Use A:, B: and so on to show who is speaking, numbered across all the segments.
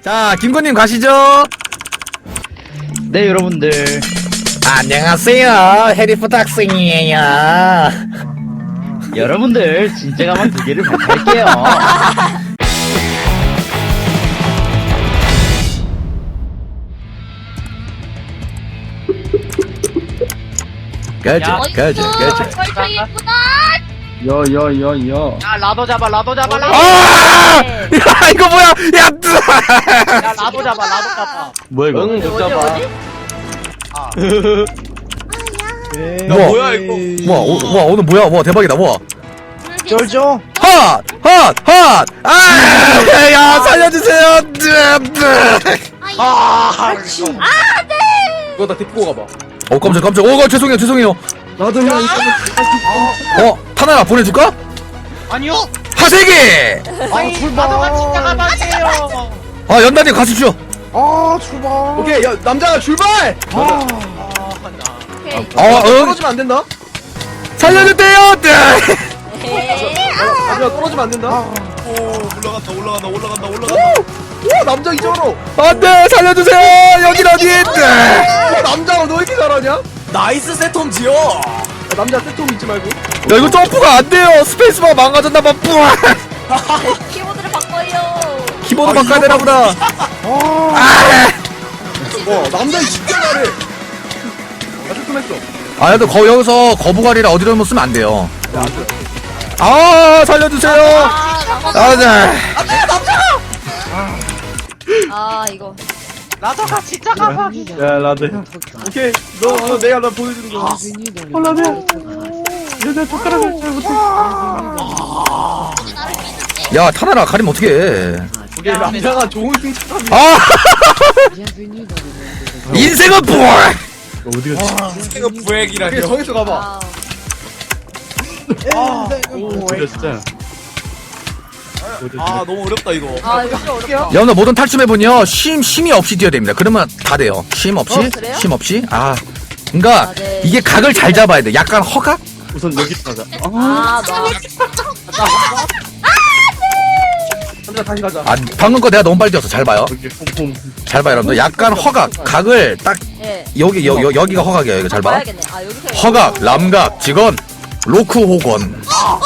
A: 자, 김건님 가시죠.
B: 네, 여러분들.
A: 안녕하세요. 해리포터 학생이에요.
B: 여러분들, 진짜 가만 두 개를 발표할게요.
A: 가자.
C: 벌써 예쁘다.
B: 여.
D: 야 라도 잡아 라도 잡아 라도
A: 아! 야, 이거 뭐야? 야,
D: 야 라도 잡아 라도 잡아
B: 뭐야, 이거?
D: 못 잡아
A: 야,
D: 뭐야 이거
A: 와, 오늘 뭐야? 와, 대박이다. 와.
B: 쫄죠?
A: 핫! 아! 야, 살려주세요.
D: 아
E: 이거 나 데리고 가봐.
A: 깜짝. 죄송해요.
E: 나도 형 이거
A: 타나라 보내줄까?
D: 아니요
A: 하세기!
D: 아니 라도가 진짜 가만히요
A: 아, 연단님 가십시오.
B: 출발.
E: 오케이 야 남자가 출발.
C: 오케이.
E: 떨어지면 안 된다.
A: 살려주세요.
E: 남자 떨어지면 안 된다.
D: 올라간다
E: 오 남자 이전으로.
A: 안돼, 살려주세요. 여긴 어디?
E: 오 남자가 너 이렇게 잘하냐?
D: 나이스 세톰지요
E: 남자 세톰 잊지 말고.
A: 야, 이거 점프가 안 돼요. 스페이스바 망가졌나봐. 뿌아.
C: 키보드를 바꿔요.
A: 키보드 바꿔야 되나 보다.
E: 남자 진짜 잘해. 나 세톰 했어.
A: 아, 또 여기서 거부갈이라 어디로 못 쓰면 안 돼요. 아, 살려주세요. 네.
C: 이거.
D: 라도가 진짜 가만히
B: 야, 라드 형.
E: 오케이 너 내가 나 보여주는 거.
A: 야, 타나라 가리면 어떡해.
E: 오케이 남자가 좋은 승차감이.
A: 아! 인생은 뿌아.
B: 어디 갔지?
D: 이거 부액이라뇨
E: 오케이 정해서 가봐.
B: 오, 진짜.
D: 아 너무 어렵다 이거
C: 이거 좀 어렵다.
A: 여러분들 모든 탈춤해보니요, 쉼이 없이 뛰어야 됩니다. 그러면 다 돼요. 쉼 없이?
C: 그래요?
A: 쉼 없이? 그니까,
C: 네.
A: 이게 각을 잘 잡아야 돼. 약간 허각?
B: 우선 여기 가자.
E: 남자 다시 가자.
A: 방금 거 내가 너무 빨리 뛰었어. 잘 봐요.
B: 여기 폼폼.
A: 잘 봐요, 여러분들. 약간 허각. 각을 딱,
C: 예.
A: 여기가 허각이에요. 이거 잘 봐.
C: 봐야겠네. 여기서.
A: 허각, 람각, 직원, 로크 호건.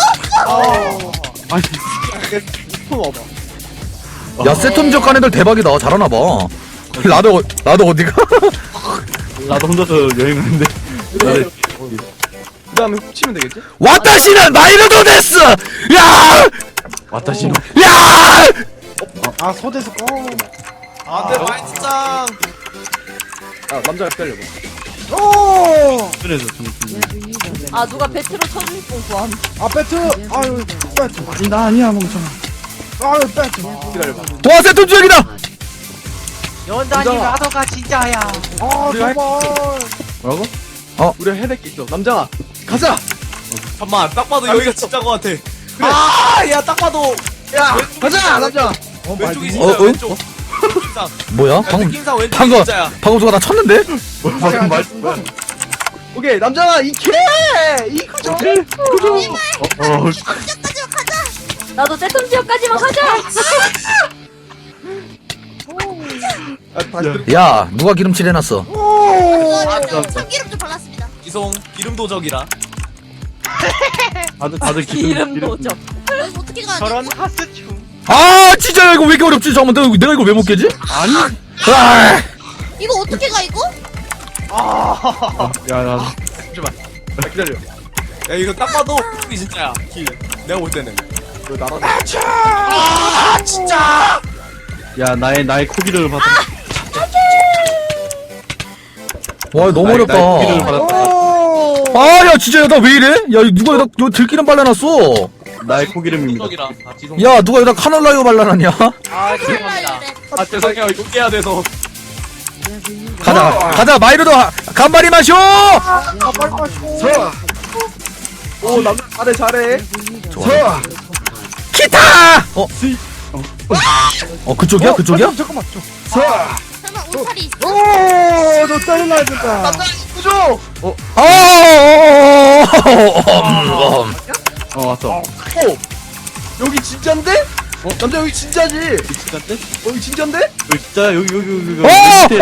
B: 아니,
E: 통 와봐.
A: 야, 세톰 지역 애들 대박이다. 잘하나봐. 나도 어디가?
B: 나도 혼자서 여행하는데. 나도
E: 그 다음에 훔치면 되겠지?
A: 와타시는 마이너도 데스! 야!
B: 와타시노.
A: 야!
D: 안돼 마이짱
E: 아 남자가 기다려봐.
B: 그래서 좀.
C: 누가 배트로 쳐줄 뻔 구함.
B: 나 아니야, 멍청아.
E: 기다려봐.
A: 와, 세톰 지역이다!
D: 연단이 라도가 진짜야
B: 뭐라고?
E: 우리가 해야 될 게 있어. 남자가 가자.
D: 잠깐만 딱 봐도 여기가 진짜 것 같아 아야 딱 봐도
E: 야 가자 남자.
D: 왼쪽이 진짜야
A: 응?
D: 왼쪽 느낌상
A: 뭐야? 방금
D: 느낌상 왼쪽이
A: 방금
D: 진짜야
A: 누가 나 쳤는데?
B: 방금 말씀 봐.
E: 오케이 남자가 이케 이구조.
C: 나도 세톰 지역까지만 가자.
E: 다시 들어.
A: 야, 누가 기름칠 해놨어?
C: 참기름 좀 발랐습니다.
D: 이송 기름도적이라
B: 다들
C: 기름 도적. 어떻게 가야
D: 저런 하스춤
A: 진짜 이거 왜 이렇게 어렵지? 잠깐만, 내가 이걸 왜 못 깨지?
B: 아니.
C: 이거 어떻게 가 이거?
B: 야, 나.
E: 잠시만. 나 기다려.
D: 야 이거 딱 봐도 왼쪽이 진짜야 길 내가 볼 때는
E: 너 나랑.
B: 야, 나의 코기를 받아.
A: 와, 너무
B: 나의
A: 어렵다.
B: 코기를 받았다.
A: 야, 진짜, 나 왜 이래? 야, 누가 여기다 들기름 발라놨어?
B: 나의 코기름입니다.
D: 도적이라 지송
A: 야, 누가 여기다 카놀라유 발라놨냐?
D: 아 죄송해요 이거 깨야 돼서
A: 가자, 마이루도 간발이 마쇼!
E: 오 남자 잘해.
A: 좋아. 기타! 그쪽이야?
E: 잠깐만.
C: 설마 울타리 있어?
E: 오너 짜증나 진짜. 남자 이구조.
B: 왔어.
E: 오 여기 진짠데? 남자 여기 진짜지?
B: 진짜인데?
E: 여기 진짜인데?
B: 여기 진짜 여기
A: 어!
B: 밑에.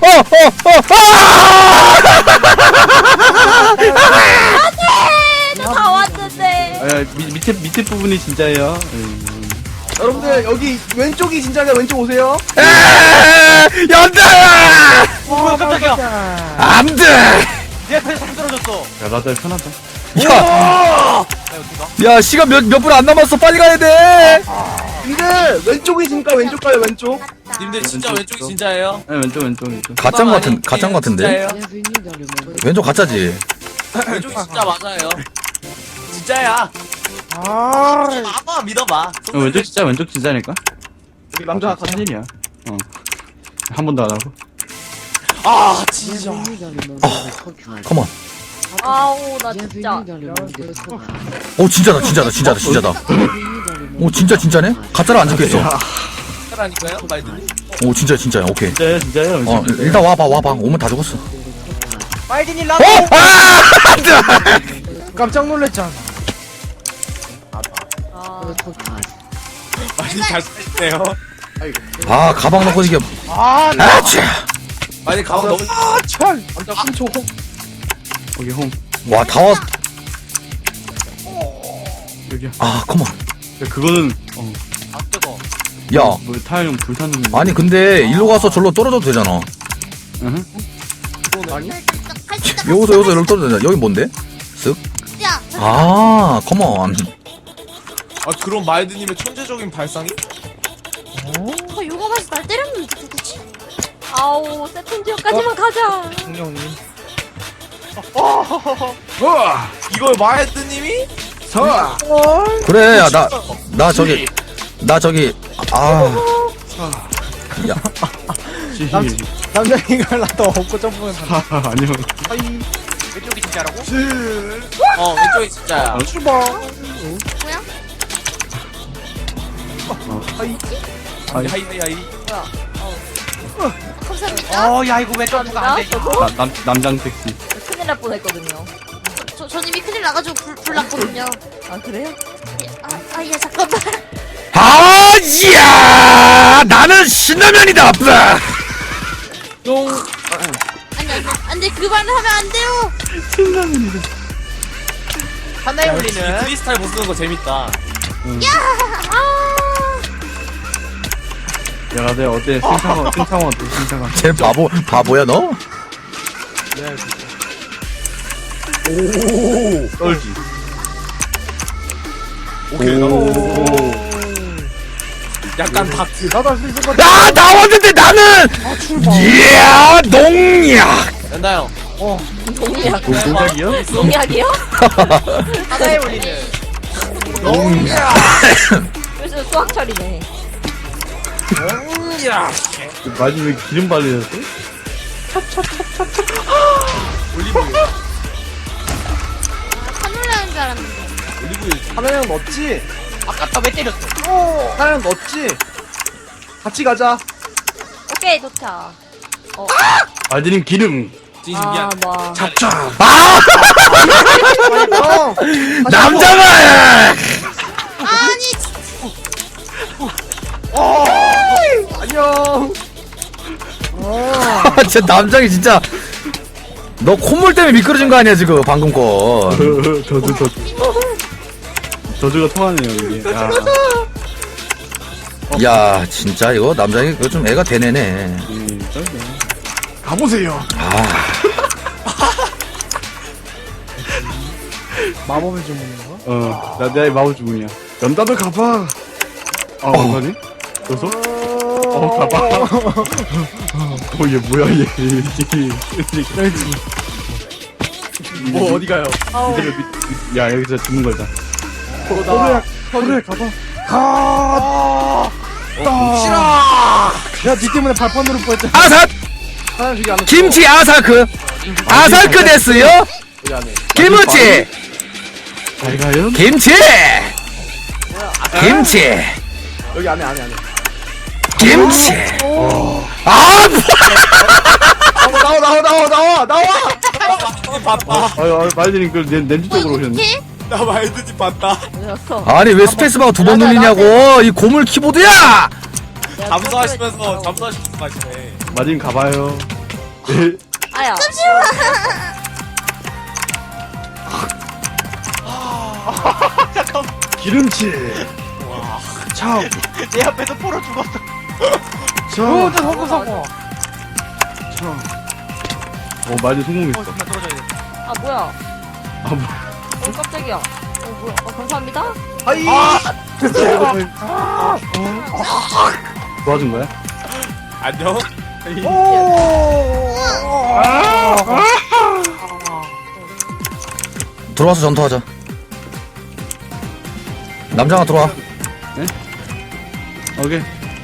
C: 다 왔는데.
B: 아, 밑에 부분이 진짜예요.
E: 여러분들 여기 왼쪽이 진짜가 왼쪽 오세요.
A: 연다!
D: 뭐야 깜짝이야.
A: 안 돼!
D: 내 앞에 상 떨어졌어.
B: 야 나도 편하다.
A: 야,
D: 나 어떻게 가?
A: 야, 시간 몇 분 안 남았어. 빨리 가야 돼!
E: 근데 왼쪽이 진짜 왼쪽 가요 왼쪽.
D: 님들 진짜 왼쪽이 진짜예요?
B: 네, 왼쪽.
A: 가짠 같은데? 왼쪽 가짜지?
D: 왼쪽이 진짜 맞아요. 진짜야.
E: 아
D: 아빠 믿어봐.
B: 왼쪽 진짜니까.
E: 여기 남자 같이.
B: 사진이야. 한 번도 안 하고.
D: 아 진짜.
A: 컴온.
C: 아우 나 진짜.
A: 오, 진짜다. 오, 진짜네? 가짜로 안 적혀있어.
D: 하라니까요 말들이.
A: 오, 진짜야. 오케이.
B: 진짜예요.
A: 어, 일단 와봐. 오면 다 죽었어.
D: 말든이
A: 어?
D: 라고.
A: 아! 안 돼!
E: 깜짝 놀랐잖아.
D: 말든이 잘 쓰시네요.
A: 아, 가방 넣고 이게. 아차!
D: 말든이 가방 너무.
E: 참. 남자 3초.
B: 여기 홈.
A: 와, 다 왔.
B: 여기야.
A: 아, 컴온.
B: 그거는
D: 아 뜨거.
A: 야,
B: 뭐 타이형 불타는.
A: 아니, 근데 일로 가서 절로 떨어져도 되잖아.
B: 응?
A: 여기서 일로 떨어져도 되잖아. 여기 뭔데? 쓱?
C: 야,
A: 아, 컴온.
D: 아 그럼 말든님의 천재적인 발상이?
C: 요가 가서 날 때렸는데 누구지? 아우 세컨지역까지만 가자.
E: 공룡님.
D: 이걸 말든님이?
E: 서.
A: 그래, 야, 나 저기, 아. 야,
E: 남자 이걸 나도 없고 점프는 다.
B: 아니요.
D: 왼쪽이 진짜라고? 왼쪽이 진짜야.
E: 출발.
C: 뭐야?
D: 하이.
C: 감사합니다.
D: 야 이거 왜 점프가 안 돼?
B: 남장 택시.
F: 큰일 날 뻔했거든요.
C: 전 이미 큰일 나가지고 불 났거든요.
F: 아 그래요?
C: 예, 잠깐만.
A: 아, 이야! 나는 신라면이다! 뿌라!
C: 안돼 그 말을 하면 안 돼요.
D: 하나에 올리는 크리스탈 못 쓰는 거 재밌다.
B: 야, 나들 어때? 승창원 어때? 승창원.
A: 쟤 바보야, 너?
B: 떨지.
D: 오케이. 약간 다트.
E: 나도 할 수 있을 것 같아.
A: 아, 나왔는데 나는! 이야, 농약!
D: 연다 형.
F: 농약.
B: 동작이요?
F: 농약이요?
D: 하나에 올리는.
F: 그래서 수학철이네.
D: 야.
B: 마지막에 기름 발리셨어?
D: 올리브유.
C: 카놀라인 줄 알았는데.
D: 올리브유.
E: 하나형 넣었지?
D: 아깝다 왜 때렸어?
E: 하나형 넣었지? 같이 가자.
F: 오케이 도착.
B: 알드님 기름.
D: 진심 미안.
F: 뭐.
A: 아!
E: 형.
A: 남자가!
C: 아니
E: 안녕.
A: 아, 진짜 남장이 진짜. 너 콧물 때문에 미끄러진 거 아니야, 지금, 방금 거.
B: 저주가 통하네요, 이게. 야.
A: 야, 진짜 이거 남장이 이거 좀 애가 되네네.
B: 쩔네.
E: 가보세요.
A: 아,
E: 마법의 주문인가?
B: 나의 마법 주문이야. 연다도 가봐. 어떡하니? 그래서? 가봐. 얘 뭐야, 얘.
E: 뭐 어디 가요?
B: 야, 여기서 죽는 거다.
E: 그래 가봐. 가. 싫어. 야, 니 때문에 발판 누를 뻔했잖아.
A: 아삭!
E: 하나 저기 안에.
A: 김치 아사크! 아사크 데스요?
E: 여기 안에.
A: 김치!
B: 잘 가요?
A: 김치! 김치!
E: 여기 안에.
A: 김치! 아,
E: 나와.
D: 바빠.
B: 말드님, 그, 냄새 쪽으로 오셨네.
C: 이렇게?
D: 나 말드님 봤다.
F: 뭐였어?
A: 아니 왜 스페이스바가 두 번 눌리냐고 이 고물 키보드야!
D: 잠수하시면서 가시네.
B: 마님 가봐요.
F: 아야.
B: 기름칠. 참.
E: 내 앞에서 포로 죽었어.
B: 참.
E: 성공 성공.
B: 참. 마님 성공했어.
E: 정말 떨어져야 돼.
F: 아 뭐야?
B: 아, 뭐.
F: 깜짝이야. 뭐야? 감사합니다.
E: 아이.
B: 도와준 거야?
D: 안녕.
A: 들어와서 전투하자. 남자가 들어와.
B: 오케이.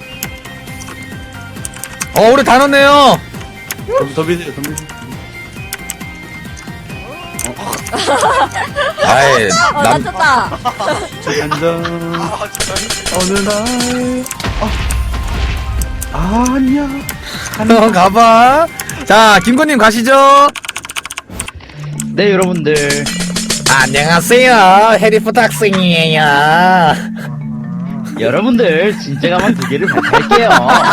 A: 우리 다 넣었네요.
B: 덤비세요, 덤비세요.
A: 아이
F: 맞췄다.
B: 한잔.
E: 아 진짜.
B: 어느 날. 안녕.
A: 가봐. 자 김구님 가시죠.
G: 네 여러분들
A: 안녕하세요. 해리포터 학생이에요.
G: 여러분들 진짜 가만 두 개를 발표할게요.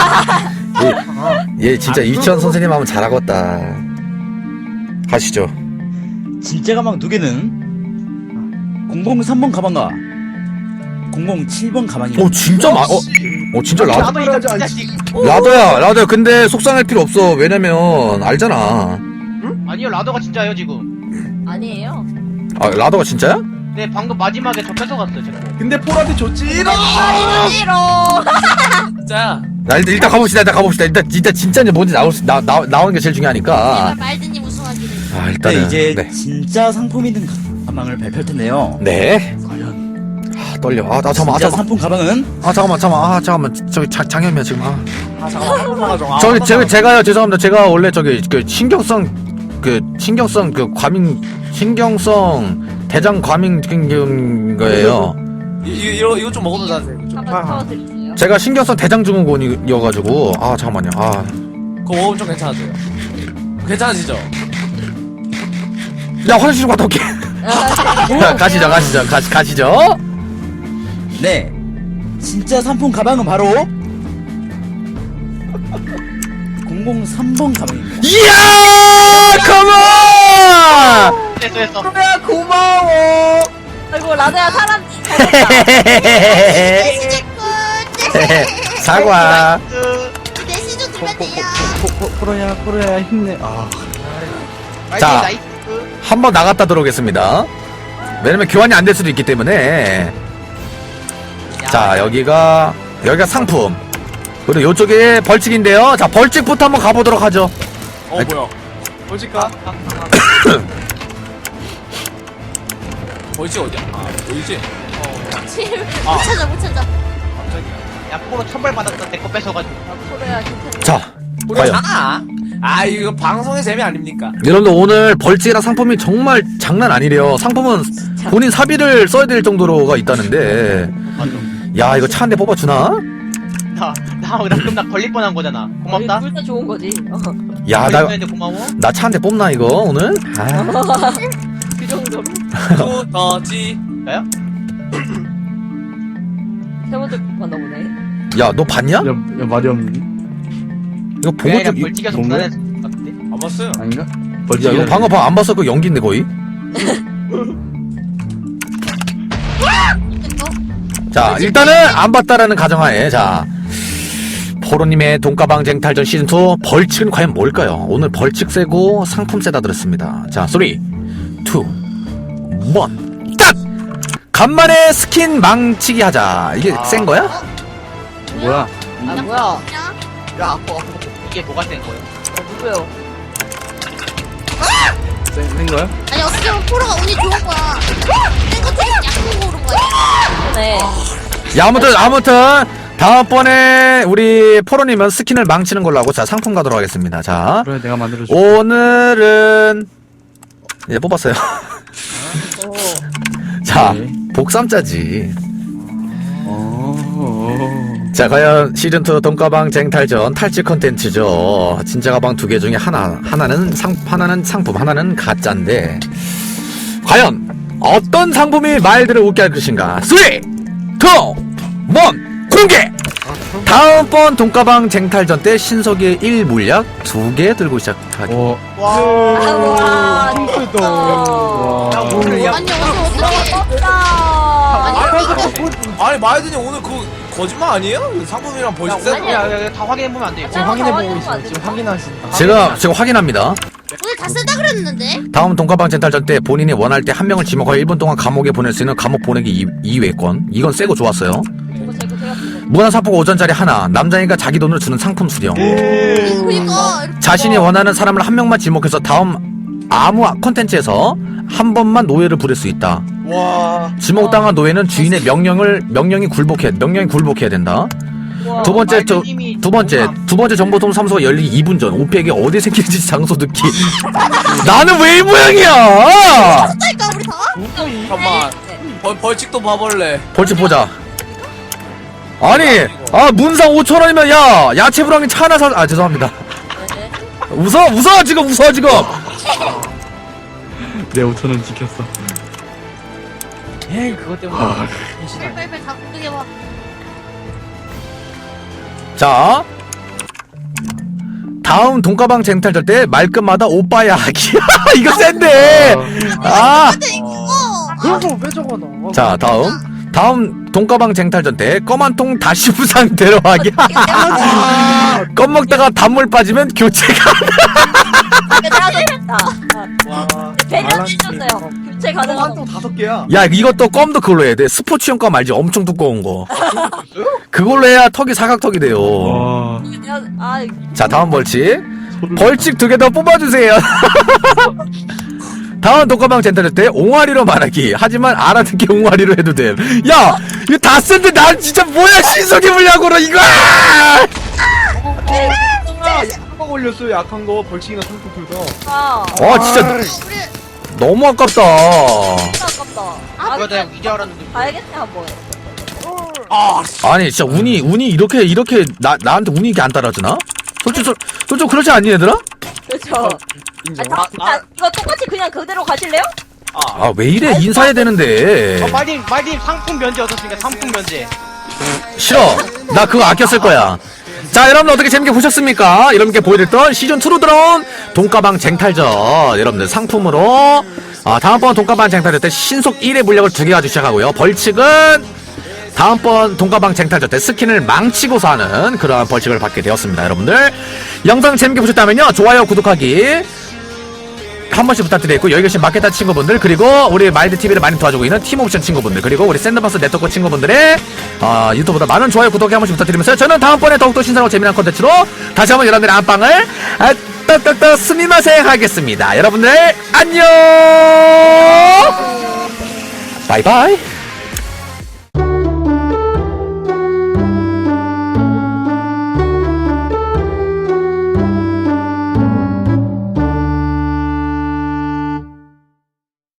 A: 얘 진짜 유치원 선생님 하면 잘하겠다. 가시죠.
G: 진짜 가방 두 개는 003번 가방과 007번 가방입니다.
A: 진짜 진짜
E: 나도 이거 자식.
A: 라더야. 근데 속상할 필요 없어. 왜냐면 알잖아.
E: 아니요 라더가 진짜예요 지금.
F: 아니에요.
A: 라더가 진짜야?
E: 네 방금 마지막에 저 뺏어갔어요 제가.
D: 근데 폴한테 줬지.
F: 싫어.
D: 진짜.
A: 일단 가봅시다. 일단 진짜인지 뭔지 나오는 게 제일 중요하니까.
C: 말드님 우승하기를.
A: 일단은
G: 이제
A: 네.
G: 진짜 상품이 든 가방을 발표할 텐데요.
A: 네.
G: 과연
A: 떨려. 잠깐만.
G: 진짜 상품 가방은
A: 잠깐만. 저기 장현미야 지금.
D: 잠깐만.
A: 저기 제가요. 죄송합니다. 제가 원래 저기 그 신경성 대장 과민 거예요.
D: 이거 좀 먹어도 되세요.
F: 한번 태워드릴게요.
A: 제가 신경성 대장 증후군이어가지고 잠깐만요.
D: 그거 먹으면 좀 괜찮아져요. 괜찮아지죠?
A: 야 화장실 좀 갔다 올게. 야, 가시죠.
G: 네 진짜 상품 가방은 바로 003번 가방입니다.
A: 이야 컴온.
E: 됐어.
F: 아이고 라드야 사람
A: 사과.
C: 내 시중 두면 돼요.
B: 포로야 힘내.
A: 자. 한번 나갔다 들어오겠습니다. 왜냐면 교환이 안 될 수도 있기 때문에. 자 여기가 상품. 그리고 요쪽에 벌칙인데요. 자 벌칙부터 한번 가보도록 하죠.
D: 뭐야? 벌칙가? 벌칙 어디야? 보이지?
C: 못 찾아.
E: 야 포로 천벌 받았다 내 거 뺏어가지고.
F: 소리야 괜찮아.
A: 자 과연
D: 우리잖아. 이거 방송의 재미 아닙니까?
A: 여러분들 오늘 벌칙이랑 상품이 정말 장난 아니래요. 상품은 본인 사비를 써야 될 정도로가 있다는데. 야 이거 차 한 대 뽑아주나?
E: 그럼 나 걸릴 뻔한 거잖아. 고맙다.
F: 둘다 좋은 거지.
A: 야
E: 걸릴 뻔했는데 고마워.
A: 나 차 한 대 뽑나 이거 오늘?
F: 그 정도로.
D: 두더지.
E: 나요?
F: 세 번째 봤나 보네.
A: 야 너 봤냐?
B: 야 말이 없니?
A: 이거 보고
E: 그냥
A: 좀
E: 벌칙에서
B: 뭔가?
E: 불안해서 같은데.
D: 안 봤어요.
B: 아닌가?
A: 야 이거 방금 안 봤어? 그 연기인데 거의. 자 일단은 안 봤다라는 가정하에 자 포로님의 돈가방 쟁탈전 시즌2 벌칙은 과연 뭘까요? 오늘 벌칙 세고 상품 세다 들었습니다. 자 3, 2, 1 딱! 간만에 스킨 망치기 하자. 이게 센 거야?
B: 뭐야?
F: 아 뭐야?
E: 야 아파. 이게 뭐가 센 거예요?
F: 누구요?
B: 센 거야?
C: 아니 어떻게 보면 포로가 운이 좋은 거야. 센거 되게 약간 고른 거야.
F: 네.
A: 야 아무튼 다음번에 우리 포로님은 스킨을 망치는 걸로 하고 자 상품 가도록 하겠습니다. 자
B: 그래 내가 만들어줄게.
A: 오늘은 이제 뽑았어요. 자
B: 네.
A: 복삼자지. 자 과연 시즌2 돈가방 쟁탈전 탈취 컨텐츠죠. 진짜 가방 두 개 중에 하나는 상품 하나는 가짜인데 과연 어떤 상품이 말들을 웃게 할 것인가. 3, 2, 1 공개. 다음번 돈가방 쟁탈전 때 신석이의 1물약 2개 들고 시작하기.
B: 어.
F: 와,
B: 핑크도.
F: 와.
B: 와.
C: 아니 어디 어떻게?
D: 아니 마이든이 오늘 그 거짓말 아니에요? 상품이랑 벌칙 세트.
F: 아니야.
E: 다 확인해보면 안 돼요.
F: 지금 확인해보고 있어요. 지금
E: 확인하신다.
A: 제가 지금 확인합니다.
C: 오늘 다 쓰다 그랬는데.
A: 다음 돈가방 쟁탈전 때 본인이 원할 때 한 명을 지목하여 1분 동안 감옥에 보낼 수 있는 감옥 보내기 2회권. 이건 세고 좋았어요. 문화사포가 5전짜리 하나. 남자니까 자기 돈으로 주는 상품 수령.
C: 그니까.
A: 자신이 원하는 사람을 한 명만 지목해서 다음 아무 컨텐츠에서 한 번만 노예를 부릴 수 있다.
E: 와.
A: 지목당한 노예는 주인의 명령이 굴복해야 된다. 두 번째 정보통 삼소가 열리기 2분 전 오피에게 어디 생길지 장소 듣기. 나는 왜 이 모양이야?
C: 그러니까 우리 다.
D: 잠깐만. 벌칙도 봐볼래.
A: 벌칙 보자. 아니, 문상 5,000원이면 야 야채 불황이 차 하나 사. 죄송합니다. 웃어 지금.
B: 내 5,000원 지켰어.
E: 에이 그것 때문에.
C: 빨리빨리 다 공격해봐.
A: 자, 다음 돈가방 쟁탈전 때 말끝마다 오빠야 하기. 이거 센데.
C: 근데 이거.
E: 그런 거왜 적어놔?
A: 자, 다음 돈가방 쟁탈전 때 검은 통 다시 부상 데려가기. 껌 먹다가 단물 빠지면 교체가.
F: 내가 됐다.
E: 와.
F: 배려 해줬어요. 교체 가능한 거.
E: 5개야.
A: 야, 이것도 껌도 그걸로 해야 돼. 스포츠용 껌 알지? 엄청 두꺼운 거. 그걸로 해야 턱이 사각턱이 돼요.
B: 와.
A: 자, 다음 벌칙 2개 더 뽑아주세요. 다음 돈가방 쟁탈전 때 옹알이로 말하기. 하지만 알아듣게 옹알이로 해도 돼. 야, 이거 다 쓴데 난 진짜 뭐야 신석이 물약으로 이거.
E: 한방 올렸어요. 약한 거 벌칙이나 상품 둘 다.
A: 와, 진짜
C: 우리
A: 너무 아깝다.
F: 아깝다.
E: 이거 내가 이제 알았는데.
F: 알겠네 한번.
A: 아니 진짜 운이 이렇게 나한테 운이 이렇게 안 따라주나? 솔직히 그렇지 않니 얘들아?
F: 그렇죠. 이거 똑같이 그냥 그대로 가실래요?
A: 아 왜 이래 인사해야 되는데.
E: 말님 상품 면제 얻었으니까 상품 면제.
A: 싫어. 나 그거 아껴 쓸 거야. 자, 여러분들 어떻게 재밌게 보셨습니까? 여러분께 보여드렸던 시즌2로 들어온 돈가방 쟁탈전. 여러분들 상품으로 다음번 돈가방 쟁탈전 때 신속 1회 물약을 2개 가지고 시작하고요. 벌칙은 다음번 돈가방 쟁탈전 때 스킨을 망치고서 하는 그러한 벌칙을 받게 되었습니다. 여러분들 영상 재밌게 보셨다면요, 좋아요, 구독하기 한 번씩 부탁드리겠고, 여기 계신 마케타 친구분들, 그리고 우리 마인드TV를 많이 도와주고 있는 팀옵션 친구분들, 그리고 우리 샌드박스 네트워크 친구분들의 유튜브보다 많은 좋아요, 구독 한 번씩 부탁드리면서 저는 다음번에 더욱더 신선하고 재미난 콘텐츠로 다시 한번 여러분들의 안방을 떡떡떡 스미마셍 하겠습니다. 여러분들 안녕. 바이바이.